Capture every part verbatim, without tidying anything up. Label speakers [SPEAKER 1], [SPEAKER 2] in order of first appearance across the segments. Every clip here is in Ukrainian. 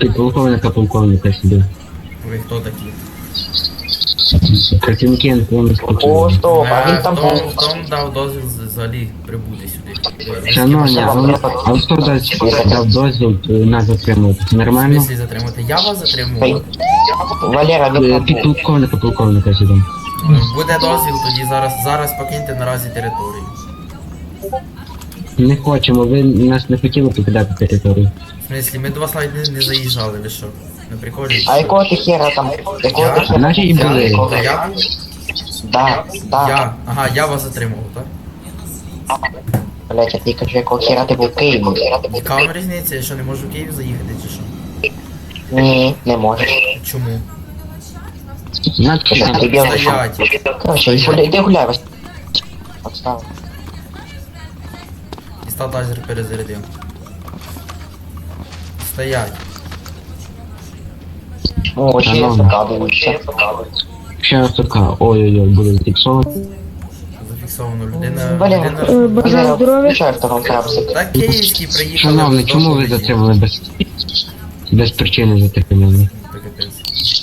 [SPEAKER 1] Підполковника полковника сюди.
[SPEAKER 2] Ви хто такі?
[SPEAKER 1] Працівники НПО
[SPEAKER 3] О, стоп, а
[SPEAKER 2] Е,
[SPEAKER 3] він там
[SPEAKER 2] хто,
[SPEAKER 3] був.
[SPEAKER 2] хто вам дав дозвіл з- взагалі прибути сюди?
[SPEAKER 1] Шановні, а ви- а хто дасть дав дозвіл е, нас затримувати? Це
[SPEAKER 2] В
[SPEAKER 1] нормально?
[SPEAKER 2] смислі затримати? Я вас затримував?
[SPEAKER 3] Валера, він
[SPEAKER 1] Е,
[SPEAKER 3] там був.
[SPEAKER 1] Підполковника полковника сюди.
[SPEAKER 2] Буде дозвіл, тоді зараз, зараз покиньте наразі територію.
[SPEAKER 1] Не хочемо, ви нас не хотіли покидати територію.
[SPEAKER 2] В смислі, ми до вас навіть не, не заїжджали, ви що? На приколі?
[SPEAKER 3] А якого ти хера там? Якого ти
[SPEAKER 2] Я?
[SPEAKER 3] хера?
[SPEAKER 1] Наші і були.
[SPEAKER 2] Я? Та я був?
[SPEAKER 3] Да, да.
[SPEAKER 2] Я. Ага, я вас затримував, так?
[SPEAKER 3] Блять, а ти кажу, якого хера ти був в Києві?
[SPEAKER 2] Яка вам різниця, я що не можу в Київ заїхати чи що?
[SPEAKER 3] Ні, не можеш.
[SPEAKER 2] Чому?
[SPEAKER 1] Нас
[SPEAKER 3] Ти що, ти
[SPEAKER 1] хотіли.
[SPEAKER 3] білий?
[SPEAKER 2] Стоять.
[SPEAKER 3] Короче, гуляй, іди гуляй, Вась. Отстав.
[SPEAKER 2] Дістав тазер перезарядив. Стоять.
[SPEAKER 3] О, ще
[SPEAKER 1] Шановний.
[SPEAKER 3] закадуються.
[SPEAKER 1] Ще раз така, ой-ой-ой, буде зафіксовано.
[SPEAKER 2] Зафіксовано людина.
[SPEAKER 3] Валера,
[SPEAKER 2] людина...
[SPEAKER 4] бажаю
[SPEAKER 3] Валера,
[SPEAKER 4] здоров'я.
[SPEAKER 3] включай второй крапсик.
[SPEAKER 2] Так київський приїхали.
[SPEAKER 1] Шановний,
[SPEAKER 2] з
[SPEAKER 1] чому ви
[SPEAKER 2] доповіді.
[SPEAKER 1] затримали без, без причини затримали?
[SPEAKER 2] Та капець.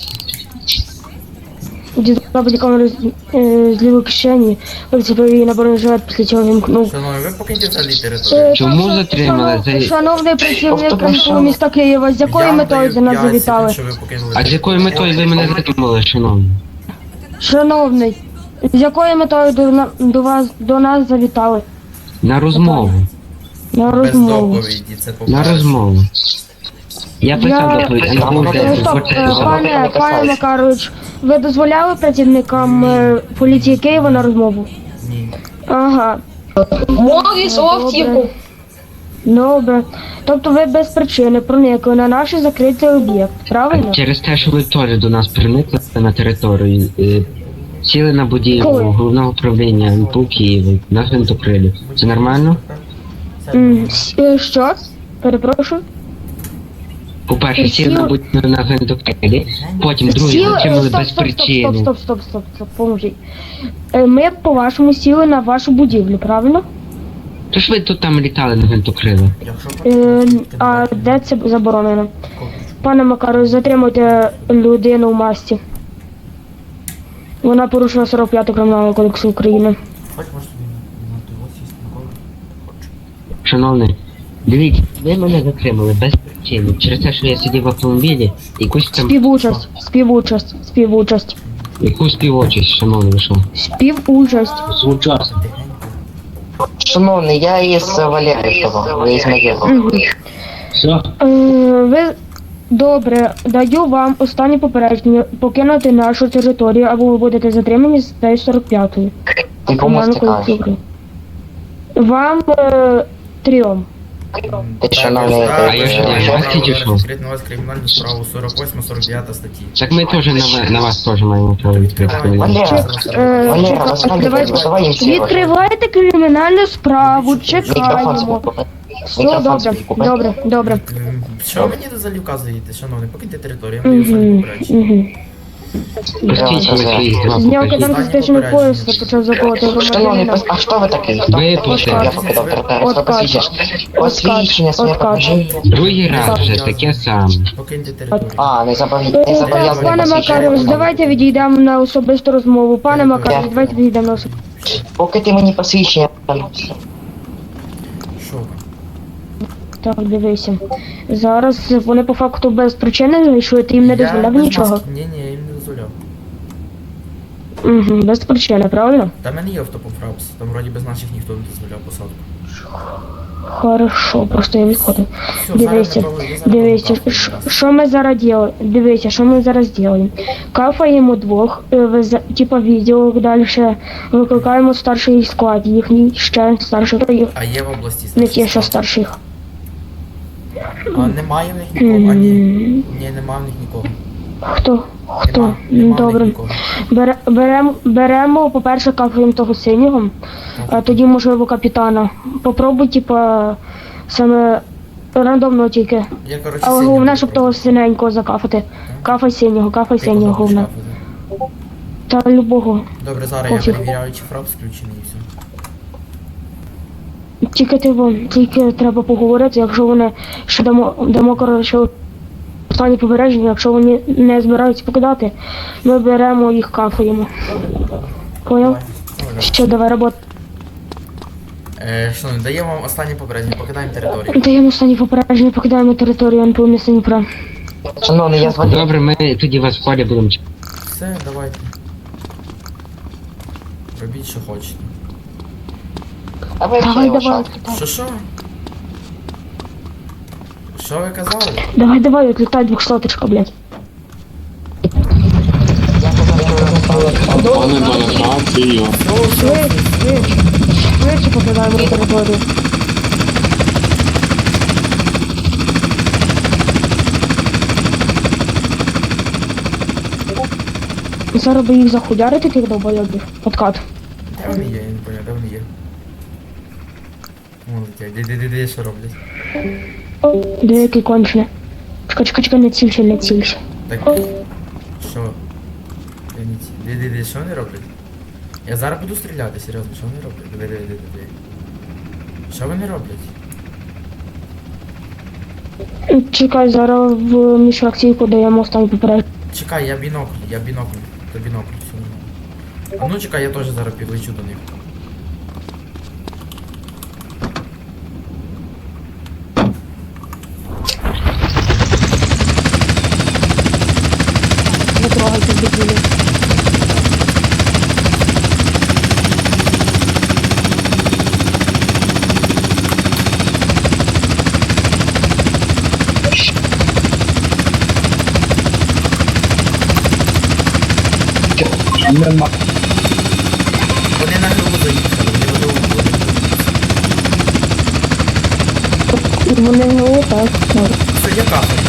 [SPEAKER 4] Дістав бодікамеру з, е, з лівої кишені, вицепив її на бронежилет, після цього вімкнув.
[SPEAKER 2] Шановний, ви покиньте взагалі
[SPEAKER 4] Е,
[SPEAKER 2] територію.
[SPEAKER 1] Чому
[SPEAKER 4] так,
[SPEAKER 1] затримали?
[SPEAKER 4] шанов-
[SPEAKER 1] За-
[SPEAKER 4] Шановний працівник
[SPEAKER 3] Тобто,
[SPEAKER 4] КМПУ
[SPEAKER 3] що?
[SPEAKER 4] міста Києва, з якою
[SPEAKER 2] Я
[SPEAKER 4] метою
[SPEAKER 2] даю
[SPEAKER 4] до нас
[SPEAKER 2] п'ять
[SPEAKER 4] завітали?
[SPEAKER 2] секунд, що ви покинули
[SPEAKER 1] А з якою метою ви мене затримали, шановні?
[SPEAKER 4] Шановний, з якою метою до, на- до вас до нас завітали?
[SPEAKER 1] На розмову.
[SPEAKER 4] На
[SPEAKER 2] Без
[SPEAKER 4] розмову.
[SPEAKER 2] доповіді, це
[SPEAKER 1] На
[SPEAKER 2] по-перше.
[SPEAKER 1] розмову. Я писав
[SPEAKER 4] Я-
[SPEAKER 1] доповідь, а не
[SPEAKER 3] Е,
[SPEAKER 1] буде
[SPEAKER 4] Е, Стоп, е, пане, пане Макарович, ви дозволяли працівникам е, поліції Києва на розмову?
[SPEAKER 2] Ні.
[SPEAKER 4] Ага.
[SPEAKER 5] Мові
[SPEAKER 4] Добре. Добре. Тобто ви без причини проникли на наш закритий об'єкт, правильно?
[SPEAKER 1] Через те, що ви теж до нас проникли на територію, е, сіли на будівлю
[SPEAKER 4] Коли?
[SPEAKER 1] головного управління НПУ Києва, нас гвинтокрилів. Це нормально?
[SPEAKER 4] М, с- е, Що? Перепрошую.
[SPEAKER 1] По-перше, сіли на
[SPEAKER 4] Сіли-
[SPEAKER 1] будівлю на гвинтокрилі, потім другі
[SPEAKER 4] Сіли, е,
[SPEAKER 1] затримали
[SPEAKER 4] стоп,
[SPEAKER 1] без
[SPEAKER 4] стоп, стоп,
[SPEAKER 1] причини.
[SPEAKER 4] стоп, стоп, стоп, стоп, поможіть. Е, Ми, по-вашому, сіли на вашу будівлю, правильно?
[SPEAKER 1] Тож ви тут там літали на гвинтокрилах.
[SPEAKER 2] Якщо
[SPEAKER 4] Е,
[SPEAKER 2] хочете,
[SPEAKER 4] А
[SPEAKER 2] то
[SPEAKER 4] де це заборонено?
[SPEAKER 2] копію.
[SPEAKER 4] Пане Макару, затримуйте людину в масці. Вона порушила сорок п'ятий Кримінального кодексу України.
[SPEAKER 2] Хоч може тобі на того сісти на голову? Хочу.
[SPEAKER 1] Шановний, дивіться, ви мене затримали без причини. Через те, що я сидів в автомобілі, якусь там
[SPEAKER 4] Співучасть, співучасть, співучасть,
[SPEAKER 1] якусь співочість, шановний, ви що?
[SPEAKER 4] співучасть.
[SPEAKER 1] Звучасно.
[SPEAKER 3] Шановний, я із Валерою того, ви із Могилу.
[SPEAKER 4] Мгм.
[SPEAKER 1] Все?
[SPEAKER 4] Е, Ви добре, даю вам останнє попередження покинути нашу територію, або ви будете затримані з статтею сорок п'ятою.
[SPEAKER 3] Ти кому стикаєш?
[SPEAKER 4] Вам е, трьом.
[SPEAKER 3] Ти що,
[SPEAKER 2] Так,
[SPEAKER 3] на
[SPEAKER 2] я
[SPEAKER 3] мене,
[SPEAKER 2] знаю,
[SPEAKER 1] а я
[SPEAKER 2] що
[SPEAKER 1] що,
[SPEAKER 2] я
[SPEAKER 1] я
[SPEAKER 2] право
[SPEAKER 1] бачите, чи що?
[SPEAKER 2] відкрити на вас кримінальну справу сорок восьма сорок дев'ята статті.
[SPEAKER 1] Так ми теж на, ви- на вас теж маємо право відкрити.
[SPEAKER 3] Валера,
[SPEAKER 4] Е,
[SPEAKER 3] Валера,
[SPEAKER 4] чека-
[SPEAKER 3] розказуй,
[SPEAKER 4] давайте.
[SPEAKER 3] давай їм всі.
[SPEAKER 4] Відкривайте кримінальну справу,
[SPEAKER 3] Мікрофон
[SPEAKER 4] чекаємо.
[SPEAKER 3] собі купи.
[SPEAKER 4] Все
[SPEAKER 3] Мікрофон
[SPEAKER 4] добре,
[SPEAKER 3] собі купи.
[SPEAKER 4] добре, добре.
[SPEAKER 2] М, Що ви мені взагалі вказуєте, шановний? Покиньте територію, я маю останнє
[SPEAKER 4] Угу,
[SPEAKER 2] попередження.
[SPEAKER 4] угу.
[SPEAKER 1] Посвідчення свої два
[SPEAKER 4] Зняв
[SPEAKER 1] покажіть.
[SPEAKER 4] киданки з кишені пояса, почав заколоти
[SPEAKER 3] Шановний,
[SPEAKER 4] громадянина.
[SPEAKER 3] пос- а хто ви такий? Хто?
[SPEAKER 1] Випусти.
[SPEAKER 3] Я покидав територію, хто
[SPEAKER 4] Откат.
[SPEAKER 3] посвідчення? Посвідчення своє
[SPEAKER 4] Откат.
[SPEAKER 3] покажи.
[SPEAKER 1] Другий раз вже таке саме.
[SPEAKER 2] Покиньте територію.
[SPEAKER 3] А, не забав-
[SPEAKER 4] Е,
[SPEAKER 3] не зобов'язаний
[SPEAKER 4] Пане
[SPEAKER 3] посвідчення.
[SPEAKER 4] Макарович, давайте відійдемо на особисту розмову. Пане Макарович, давайте відійдемо на особисту.
[SPEAKER 3] Поки ти мені посвідчення.
[SPEAKER 2] Що ви?
[SPEAKER 4] Так, дивися. Зараз вони по факту без причини зайшли, ти їм не
[SPEAKER 2] Я
[SPEAKER 4] дозволяв
[SPEAKER 2] без
[SPEAKER 4] нічого.
[SPEAKER 2] маски- Ні, ні, я їм не дозволяв.
[SPEAKER 4] Угу, без причини, правильно?
[SPEAKER 2] Та в мене є автопоправс, там вроді без наших ніхто не дозволяв посадку.
[SPEAKER 4] Хорошо, просто я відходив.
[SPEAKER 2] Все,
[SPEAKER 4] Дивися,
[SPEAKER 2] зараз ми зараз
[SPEAKER 4] дивися,
[SPEAKER 2] кафе
[SPEAKER 4] ш-
[SPEAKER 2] якраз.
[SPEAKER 4] що ми зараз діли? Дивися, що ми зараз ділимо. Кафаємо двох, е, вез- типа відео, далі викликаємо старший склад, їхній ще старший, їх,
[SPEAKER 2] А є в області
[SPEAKER 4] не
[SPEAKER 2] старший
[SPEAKER 4] ті, що
[SPEAKER 2] склад?
[SPEAKER 4] старших.
[SPEAKER 2] А немає в них нікого, а ні.
[SPEAKER 4] М,
[SPEAKER 2] Ні, немає в них нікого.
[SPEAKER 4] Хто? Хто?
[SPEAKER 2] Нема, нема в них
[SPEAKER 4] Добре.
[SPEAKER 2] нікого.
[SPEAKER 4] Бере, беремо, беремо, по-перше, кафаємо того синього, а тоді, можливо, капітана. Попробуй, типа, саме рандомно тільки.
[SPEAKER 2] Я, коротше,
[SPEAKER 4] Але
[SPEAKER 2] синього
[SPEAKER 4] головне, щоб
[SPEAKER 2] попробую.
[SPEAKER 4] того синенького закафати. Кафай синього, кафай
[SPEAKER 2] Ти
[SPEAKER 4] синього,
[SPEAKER 2] кого
[SPEAKER 4] головне.
[SPEAKER 2] хочеш кафати?
[SPEAKER 4] Та любого.
[SPEAKER 2] Добре, зараз я
[SPEAKER 4] Пофіг.
[SPEAKER 2] перевіряю, чи фрап включений і все.
[SPEAKER 4] Тільки ти вон, тільки треба поговорити, якщо вони ще дамо, дамо коротше останні побережжя, якщо вони не збираються покидати, ми беремо їх, кафуємо. Поняв?
[SPEAKER 2] Давай. Добре.
[SPEAKER 4] Що, давай робота.
[SPEAKER 2] Е, що, даємо вам останнє попередження, покидаємо територію.
[SPEAKER 4] Даємо останні попередження, покидаємо територію ен пе у міста Дніпра.
[SPEAKER 3] Шановний, я з Валером.
[SPEAKER 1] Добре, ми тоді вас в полі будемо чекати.
[SPEAKER 2] Все, давайте. Робіть, що хочете.
[SPEAKER 3] А ви
[SPEAKER 4] Давай,
[SPEAKER 3] ще його
[SPEAKER 4] давай,
[SPEAKER 3] шапки.
[SPEAKER 2] Що що? Що ви казали?
[SPEAKER 4] давай, давай, відлітай двохсоточка, блядь.
[SPEAKER 3] Я казав, що
[SPEAKER 5] Пане Бонифацію,
[SPEAKER 4] Швидше, швидше, швидше покидаємо територію. Зараз би їх захуярити, тих довбойобів. Подкат.
[SPEAKER 2] Де вони є? Я не поняв, де вони є? Вон летять. Де, де, де, де, що роблять?
[SPEAKER 4] Деякий кончене. Чекай, чекай, чекай, не цільше, не цільше.
[SPEAKER 2] Так. Що? Я не ці- Де, де, де, що вони роблять? Я зараз буду стріляти, серйозно, що вони роблять? Де, де, де, де, де? Що вони роблять?
[SPEAKER 4] Чекай, зараз в міжфракційку даємо останній попередження.
[SPEAKER 2] Чекай, я бінокль, я бінокль. То бінокль, все нормально. А ну чекай, я теж зараз підлечу до них.
[SPEAKER 4] Не трогайте дебілі.
[SPEAKER 2] Вони на гру заїхали, вони в гру.
[SPEAKER 4] Вони не так.
[SPEAKER 2] Все, я кафе.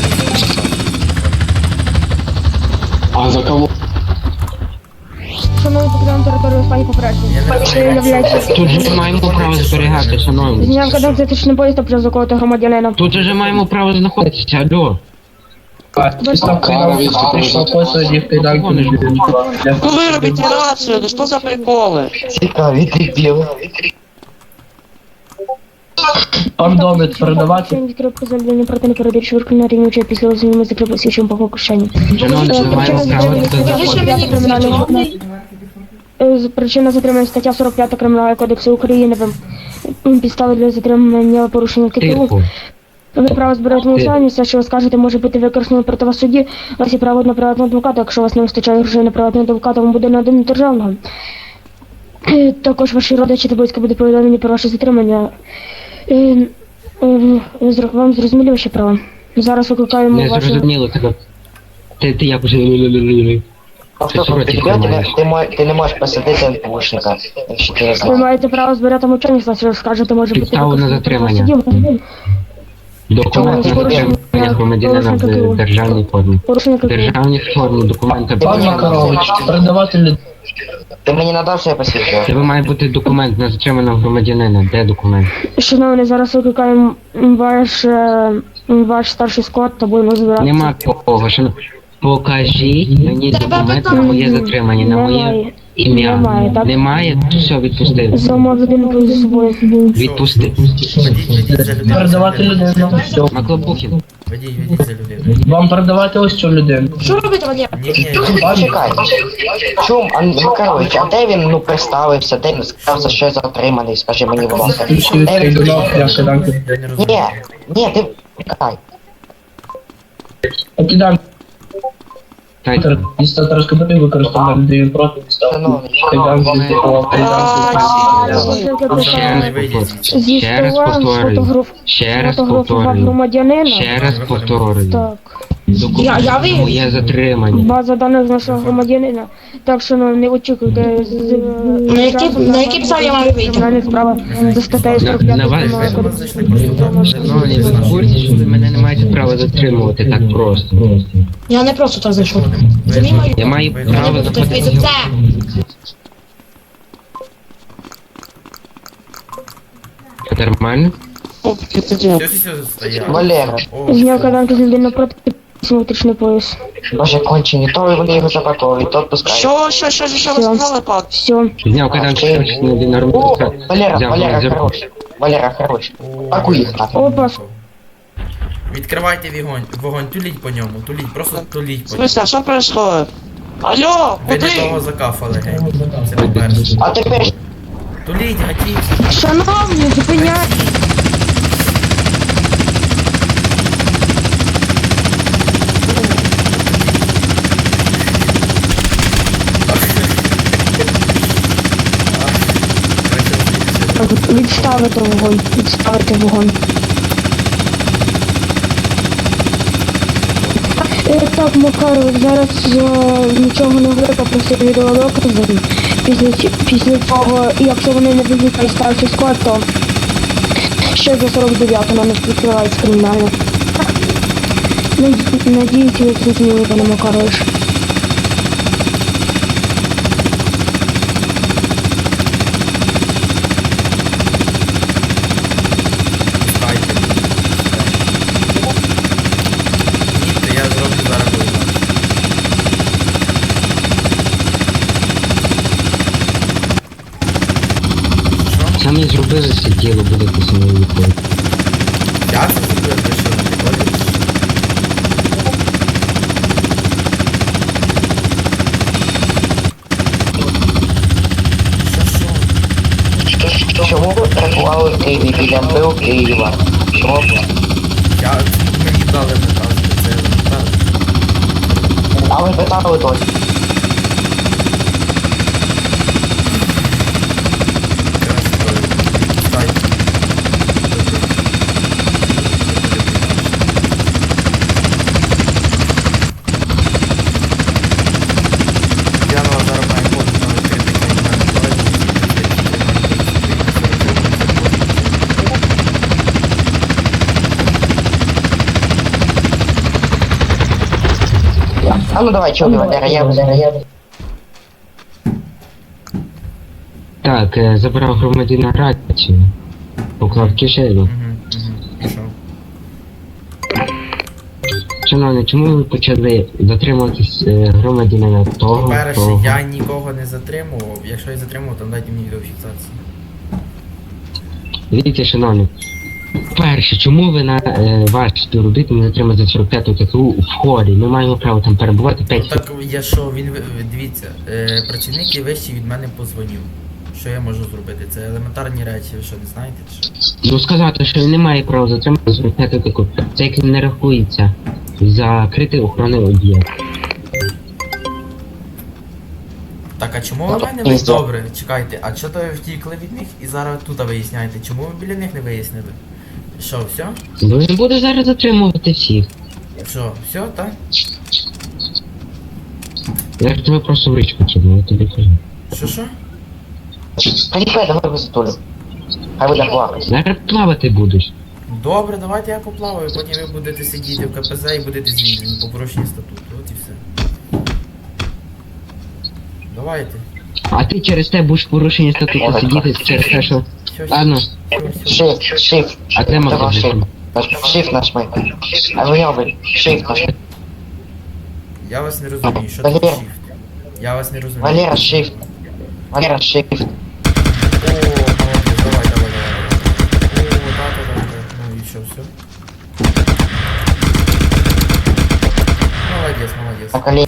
[SPEAKER 5] а за кого?
[SPEAKER 4] Шановні, покидаємо територію останній попередження.
[SPEAKER 2] Я не
[SPEAKER 4] Це являється...
[SPEAKER 1] Тут же маємо право зберігати, шановні.
[SPEAKER 4] Зняв кадав затичний поїзд та вже заколоти громадянина.
[SPEAKER 1] Тут же маємо право знаходитися, алло.
[SPEAKER 5] Пара відступила.
[SPEAKER 6] Ну вырубите рацию, да что за приколы?
[SPEAKER 3] цікаві дебіли.
[SPEAKER 7] Ордомет продавати.
[SPEAKER 4] Відкрив поземлення проти непередачі вирку на рівні очей після озвільнення закрив освічим по кишені.
[SPEAKER 1] Шановні, ми маємо право тут
[SPEAKER 4] Е, Причина затримання стаття сорок п'ять Кримінального кодексу України. М, Підстави для затримання порушення КТУ.
[SPEAKER 1] тихо.
[SPEAKER 4] Ви право збирати голосування, все, що ви скажете, може бути використано проти вас в суді. У вас є право на приватного адвоката, якщо у вас не вистачає грошей на приватного адвоката, вам буде наданий державного. Е, Також ваші родичі та близько буде повідомлені про ваше затримання. Е, е, зро- Вам зрозуміло ваші права? Зараз викликаємо
[SPEAKER 1] Не
[SPEAKER 4] вашу...
[SPEAKER 1] зрозуміло тебе. Ти, ти як уже...
[SPEAKER 3] Послухай, ти,
[SPEAKER 1] Що
[SPEAKER 3] тебе,
[SPEAKER 1] маєш?
[SPEAKER 3] ти, мо- ти не можеш посадити НПУшника, якщо ти не
[SPEAKER 4] Ви
[SPEAKER 3] знаєш.
[SPEAKER 4] маєте право збирати мовчання, все, що скажете, може бути
[SPEAKER 1] Підставу на
[SPEAKER 4] використано проти вас в
[SPEAKER 1] затримання.
[SPEAKER 4] суді.
[SPEAKER 1] Документ на затримання громадянина в державній формі.
[SPEAKER 4] Порушення
[SPEAKER 1] В
[SPEAKER 4] КТУ.
[SPEAKER 1] державній формі документи.
[SPEAKER 7] Пан Макарович, продавати людей.
[SPEAKER 3] Ти мені надав своє посвідчення?
[SPEAKER 1] Тебе має бути документ на затриманого громадянина. Де документ?
[SPEAKER 4] Шановні, зараз викликаємо ваш, е, ваш старший склад та будемо збирати.
[SPEAKER 1] Нема такого. Шано- Покажіть мені документ на моє затримання, на моє
[SPEAKER 4] Немає.
[SPEAKER 1] ім'я.
[SPEAKER 4] Немає, так?
[SPEAKER 1] Немає? Все, відпусти.
[SPEAKER 4] Зома людину з собою.
[SPEAKER 1] Відпусти.
[SPEAKER 2] Ведіть, ведіть за людину.
[SPEAKER 7] Продавати людину. Все.
[SPEAKER 1] Маклобухін.
[SPEAKER 2] Ведіть, ведіть за людину.
[SPEAKER 7] Вам продавати ось цю людину.
[SPEAKER 6] Что робите, Валера?
[SPEAKER 2] Ні, ні,
[SPEAKER 3] Почекай. Чум, а, Макарович, а де він, ну, представився, де він сказав, за що я затриманий, скажи мені, будь ласка.
[SPEAKER 7] Ключі
[SPEAKER 3] Де
[SPEAKER 7] відкрий
[SPEAKER 3] він?
[SPEAKER 7] до ног, я кидам.
[SPEAKER 2] я не розумію.
[SPEAKER 3] Ні, ні, ти, чекай.
[SPEAKER 7] Покидам.
[SPEAKER 1] Так,
[SPEAKER 7] Місто розкопати використовувати людину проти міста.
[SPEAKER 3] Шановний,
[SPEAKER 7] Кидам, кидам,
[SPEAKER 1] ще раз повторюю.
[SPEAKER 4] Зі
[SPEAKER 1] Ще раз
[SPEAKER 4] стола
[SPEAKER 1] повторюю.
[SPEAKER 4] фотограф...
[SPEAKER 1] Ще раз
[SPEAKER 4] фотографував
[SPEAKER 1] повторюю.
[SPEAKER 4] громадянина.
[SPEAKER 1] Ще раз повторюю.
[SPEAKER 4] Так.
[SPEAKER 1] Документ
[SPEAKER 6] Я- я
[SPEAKER 1] на
[SPEAKER 6] ви-
[SPEAKER 1] моє затримання.
[SPEAKER 4] База даних з нашого громадянина. Так що ну, не очікуйте. з-
[SPEAKER 6] На які- на які підставі я маю вийти?
[SPEAKER 4] Кримінальна справа за статтею сорок п'ять
[SPEAKER 1] На вас-
[SPEAKER 4] Кримінального
[SPEAKER 2] Ви до нас
[SPEAKER 4] кодексу.
[SPEAKER 2] зайшли просто так.
[SPEAKER 1] Шановні, ви в курсі, що ви мене не маєте права затримувати так просто.
[SPEAKER 6] Я не просто так зайшов. Це мій маю.
[SPEAKER 1] Я маю
[SPEAKER 2] Ви-
[SPEAKER 1] право
[SPEAKER 6] Мені буде
[SPEAKER 1] заходити.
[SPEAKER 6] відповідати це.
[SPEAKER 1] Нормально?
[SPEAKER 2] Все, все, все, стояв.
[SPEAKER 3] Валера,
[SPEAKER 2] О,
[SPEAKER 4] Зняв каданки з людини проти внутрішній пояс.
[SPEAKER 3] боже, кончені, то вони його запаковують, то відпускають.
[SPEAKER 6] Що, що, що, що ви
[SPEAKER 4] Все.
[SPEAKER 6] сказали, пак?
[SPEAKER 4] Все.
[SPEAKER 1] Зняв кайданки точно один
[SPEAKER 3] О,
[SPEAKER 1] нормально.
[SPEAKER 3] Валера,
[SPEAKER 1] Взяв,
[SPEAKER 3] Валера,
[SPEAKER 1] взяв.
[SPEAKER 3] хорош. Валера, хорош.
[SPEAKER 2] о,
[SPEAKER 3] Пакуй їх нахуй.
[SPEAKER 4] Опа.
[SPEAKER 2] Відкривайте вогонь, вогонь, туліть по ньому, туліть, просто туліть
[SPEAKER 6] В
[SPEAKER 2] по ньому.
[SPEAKER 6] смысле, а що происходит? Алло,
[SPEAKER 2] Ви не
[SPEAKER 6] куди?
[SPEAKER 2] того закафали, геть. Це по-перше.
[SPEAKER 3] А тепер
[SPEAKER 2] Туліть, гатіть.
[SPEAKER 4] Шановні, зупиняйте. Відставити вогонь, відставити вогонь. Е, Так, Макаров, зараз е, нічого не говорю, попросив відеодокази. Після, ці- після цього, якщо вони не будуть старший склад, то ще за сорок дев'яту на нас відкривається кримінально. Наді- Надіюсь, ви зрозуміли, пане Макарович.
[SPEAKER 2] Пускайте. Їдьте, я зроблю зараз вийду. Що?
[SPEAKER 1] Саме зробили це діло, будете самі відповідь.
[SPEAKER 2] Я це зробив, ви що, на приколі? Що, що?
[SPEAKER 3] чому ви перебували в Києві біля МПУ Києва? Чому?
[SPEAKER 2] Я, мені дали наказ, це елементарно.
[SPEAKER 3] А ви питали досі.
[SPEAKER 2] Краще говорю. Пускайте. Я на вас зараз маю бути на відкритий кримінальний
[SPEAKER 3] А ну давай, чого Валера, я я.
[SPEAKER 1] Так, е, забрав громадянина рацію. Поклав в кишеню.
[SPEAKER 2] Угу, угу. Пішов.
[SPEAKER 1] Шановні, чому ви почали затримуватись е, громадянина того,
[SPEAKER 2] По-перше,
[SPEAKER 1] того?
[SPEAKER 2] я нікого не затримував. Якщо я затримував, то дайте мені відеофіксацію.
[SPEAKER 1] Дивіться, шановні. Перше, чому ви на е, ваш співробітник не затримали за сорок п'яту ТКУ в холі? Ми маємо право там перебувати п'ять
[SPEAKER 2] Так я що, він ви- дивіться, е, працівник є вищий від мене позвонив. Що я можу зробити? Це елементарні речі, ви що не знаєте? Чи що?
[SPEAKER 1] Ну сказати, що він не має права затримати за сорок п'яту ТКУ. Це як не рахується закритий охоронний об'єкт.
[SPEAKER 2] Так, а чому ви в мене ви добре? Чекайте, а чого то ви втікли від них і зараз тут виясняєте? Чому ви біля них не вияснили? Що, все?
[SPEAKER 1] Бо він буде зараз затримувати всіх.
[SPEAKER 2] Що, все, так?
[SPEAKER 1] Я ж тебе просто в річку кину, я тобі кажу.
[SPEAKER 2] Що що?
[SPEAKER 3] Приліпай, давай висотулю. Хай буде плакати.
[SPEAKER 1] Зараз плавати будеш.
[SPEAKER 2] Добре, давайте я поплаваю, потім ви будете сидіти в КПЗ і будете звільнені по порушенню статуту. От і все. Давайте.
[SPEAKER 1] А ти через те будеш в порушенні статуту сидіти через те, що...
[SPEAKER 2] Все, все.
[SPEAKER 1] Ладно,
[SPEAKER 2] все, все.
[SPEAKER 3] Shift, shift.
[SPEAKER 1] а де
[SPEAKER 3] Давай,
[SPEAKER 1] магазин?
[SPEAKER 3] shift. Shift нажми. А ви йоби, shift нажми.
[SPEAKER 2] Я вас не розумію, що таке
[SPEAKER 3] Валера.
[SPEAKER 2] shift? Я вас не розумію.
[SPEAKER 3] Валера, shift. Валера, shift.
[SPEAKER 2] О, молодець, давай, давай, давай. О, да, да, да, да. Ну і що, все? Молодець, молодець.
[SPEAKER 3] На колени.